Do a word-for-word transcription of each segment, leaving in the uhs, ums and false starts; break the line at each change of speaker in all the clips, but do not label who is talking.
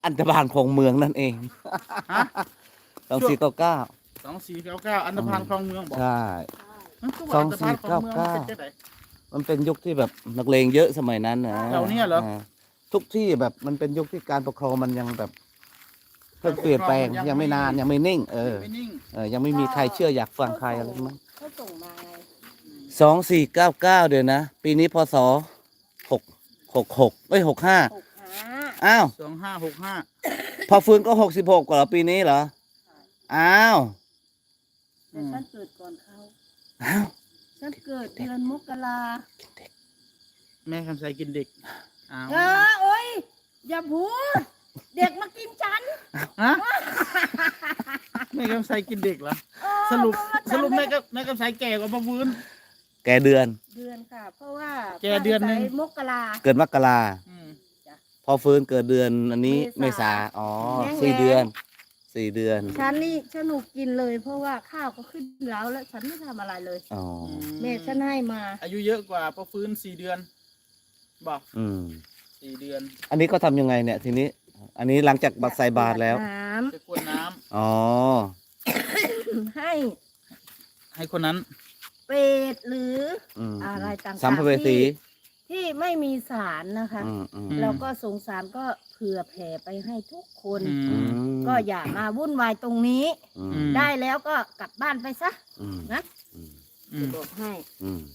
อันธพาลคลองเมืองนั่นเอง
ฮะ
สองสี่เก้าเก้า
สองสี่เก้าเก้าอันธพาลคลองเมืองบอก
ใช่
มันคือว่าอันธพาลคลองเมืองมันเป็นจังได
มันเป็นยุคที่แบบนักเลงเยอะสมัยนั้นนะ
แถวเนี้ยเหรอ
าทุกที่แบบมันเป็นยุคที่การปกครองมันยังแบบเพิ่งเปลี่ยนแปลงยังไม่นานยังไม่นิ่ง เออ
ไม่นิ่ง
เออยังไม่มีใครเชื่ออยากฟังใครอะไรมั้ง
เขาส่งมาไง
สองสี่เก้าเก้าเดี๋ยวนะ ปีนี้พศหกหกหกเอ้ยหกห้า
หกห้า
อ้าว
สองห้าหกห้า
พอฟื้นก็หกสิบหกกว่าเหรอปีนี้เหรออ้าว
แต่ฉันเกิดก่อนเขา
อ้าว
ฉันเกิดเดือนมกรา
แม่คำใสกินเด็กอ้าว
เออโอ้ยอย่าพูด เด็กมากินฉัน
ฮะแม่คำใสกินเด็กเหรอ
เออ
สรุป
เพาะว่า
สรุป
ฉัน
แม่ก็แม่คำใสแก่กว่าพ่อฟื้น
แกเดือน
เดือนค่ะ เพราะว่า
แกเดือนหนึ่ง
ป้าใส่มกรา
เกิดมกรา
อืม
พอฟื้นเกิดเดือนอันนี้เม
เม
ษา
ษา
อ๋อ
แห้ง
สี่
แล้ง
เดือนสี่เดือน
ฉันนี่ฉันหนูกินเลย เพราะว่าข้าวก็ขึ้นแล้วแล้วฉันไม่ทำอะไรเลย
อ๋อ
แม่ฉันให้มา
อายุเยอะกว่าพ่อฟื้นสี่เดือนบอก
อืม
สี่เดือน
อันนี้ก็ทำยังไงเนี่ยทีนี้ อันนี้หลังจากบัตรใส่บาทแล้ว
น้
จะกวนน้ำ
อ๋อ
ำให้
ให้คนนั้น
เป็ดหรือ
อืม
อะไรต่างๆ
สัมภเวสี
ที่ที่ไม่มีสารนะคะ
อืมอืม
แล้วก็สงสารก็เผื่อแผ่ไปให้ทุกคน
อื
อื
ม
ม
ก็อย่ามาวุ่นวายตรงนี้
อืม
อืม
ได้แล้วก็กลับบ้านไปซะ
อืม
นะ
อืม
อื
จะ
ม
บอกให้
อืม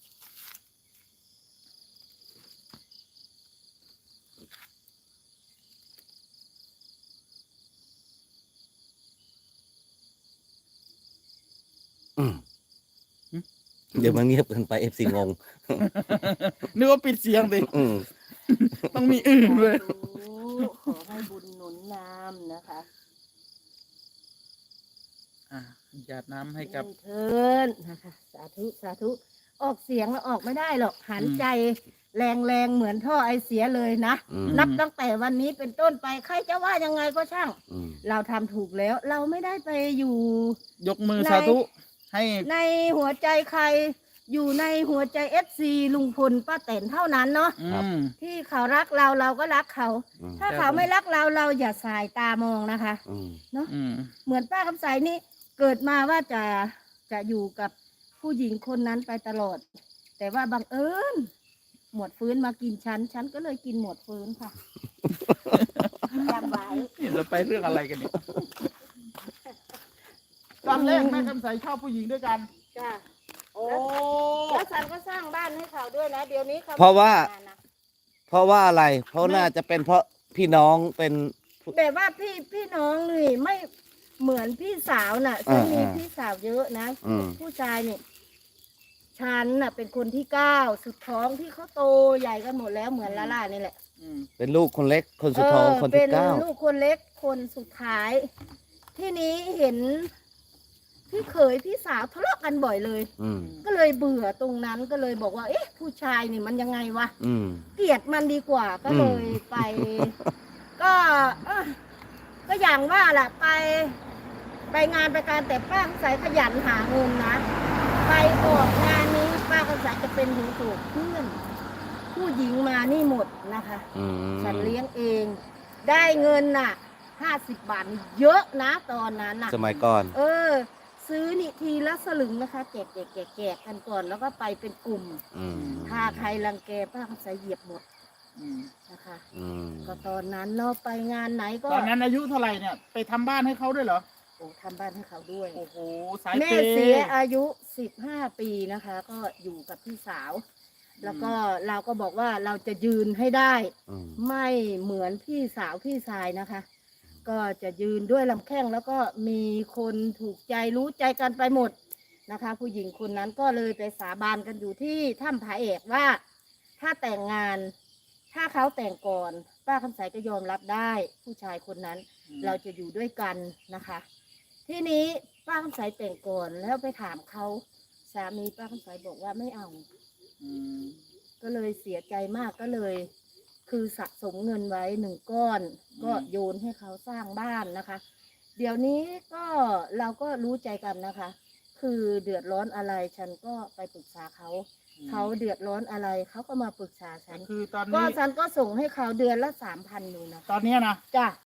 อืมเดี๋ยวมันเงียบเกินไปเอฟซีงง
นึกว่าปิดเสียงสิ
อืม
ต้องมีอื่นเลย
สาธุขอให้บุญหนุนนำนะคะ
อ่ะหยาดน้ำให้กับ
เทินนะคะสาธุสาธุออกเสียงแล้วออกไม่ได้หรอกหันใจแรงๆเหมือนท่อไอเสียเลยนะ
อืม
นับตั้งแต่วันนี้เป็นต้นไปใครจะว่ายังไงก็ช่าง
อืม
เราทำถูกแล้ว เราไม่ได้ไปอยู่
ยกมือ
ใน
สาธุให้
ในหัวใจใครอยู่ในหัวใจเอฟซีลุงพลป้าแตนเท่านั้นเนาะ
อืม
ที่เขารักเราเราก็รักเขา
อืม
ถ้า
ครับ
เขาไม่รักเราเราอย่าสายตามองนะคะ
อืม
เนาะ
อืม
เหมือนป้าคำใสนี่เกิดมาว่าจะจะอยู่กับผู้หญิงคนนั้นไปตลอด แต่ว่าบังเอิญหมวดฟื้นมากินฉันฉันก็เลยกินหมวดฟื้นค่ะจำไว้
นี่เราไปเรื่องอะไรกันเนี่ยตอนแรกแม่คำใสชอบผู้หญิงด้วยกัน
จ้า
โอ้
แล้วฉันก็สร้างบ้านให้เขาด้วยนะ เดี๋ยวนี้เขา
เพราะว่า
ไม่ทำงนนะ
เพราะว่าอะไร เพราะน่าจะเป็นเพราะพี่น้องเป็น
แบบว่าพี่พี่น้องนี่ไม่เหมือนพี่สาวน่ะฉันมี
อ่าๆ
พี่สาวเยอะนะ
อืม
ผู้ชายนี่ฉันน่ะเป็นคนที่เก้าสุดท้องที่เขาโตใหญ่กันหมดแล้วเหมือนลาล่านี่แหละ
อืม
เป็นลูกคนเล็กคนสุดท้อง
เ
คนที่เก้า
เป็นลูกคนเล็กคนสุดท้าย ที่นี้เห็นพี่เขยพี่สาวทะเลาะกันบ่อยเลย
อืม
ก็เลยเบื่อตรงนั้นก็เลยบอกว่า เอ๊ะ ผู้ชายนี่มันยังไงวะ
อืม
เกลียดมันดีกว่าก็เลยไป ก็เอ้อก็อย่างว่าแหละไป ไปงานไปการแต่ป้าคำใสขยันหาเงินนะ ไปออกงานนี้ป้าคำใสจะเป็นหูสูกเพื่อน ผู้หญิงมานี่หมดนะคะ
อืม
ฉันเลี้ยงเอง ได้เงินน่ะห้าสิบบาทนี่เยอะนะตอนนั้นน่ะ
สมัยก่อน
เออ ซื้อนี่ทีละสลึงนะคะแจกแจกแจกแจกกันก่อนแล้วก็ไปเป็นกลุ่ม
อืม
ถ้าใครรังแกป้าคำใสเหยียบหมด
อืม
นะคะ
อืม
ก็ตอนนั้นเราไปงานไหนก็
ตอนนั้นอายุเท่าไหร่เนี่ย ไปทำบ้านให้เขาด้วยเหรอ
โอ้ทำบ้านให้เขาด้วย
โอ้โห สาย
แม่
เปย์
เสียอายุสิบห้าปีนะคะ ก็อยู่กับพี่สาว แล้วก็เราก็บอกว่าเราจะยืนให้ได้
อืม
ไม่เหมือนพี่สาวพี่ชายนะคะ ก็จะยืนด้วยลำแข้งแล้วก็มีคนถูกใจรู้ใจกันไปหมดนะคะ ผู้หญิงคนนั้นก็เลยไปสาบานกันอยู่ที่ถ้ำผาเอกว่า ถ้าแต่งงาน ถ้าเขาแต่งก่อน ป้าคำใสก็ยอมรับได้ ผู้ชายคนนั้น เราจะอยู่ด้วยกันนะคะ ทีนี้ป้าคำใสแต่งก่อนแล้วไปถามเขาสามีป้าคำใสบอกว่าไม่เอา
อืม
ก็เลยเสียใจมากก็เลย คือสะสมเงินไว้หนึ่งก้อน ก็โยนให้เขาสร้างบ้านนะคะ เดี๋ยวนี้ก็เราก็รู้ใจกันนะคะ คือเดือดร้อนอะไรฉันก็ไปปรึกษาเขาเขาเดือดร้อนอะไรเขาก็มาปรึกษาฉัน
คือตอน
ก็
นี้
ฉันก็ส่งให้เขาเดือนละสามพันอยู่นะ
ตอนเนี้ยนะ
จ้ะ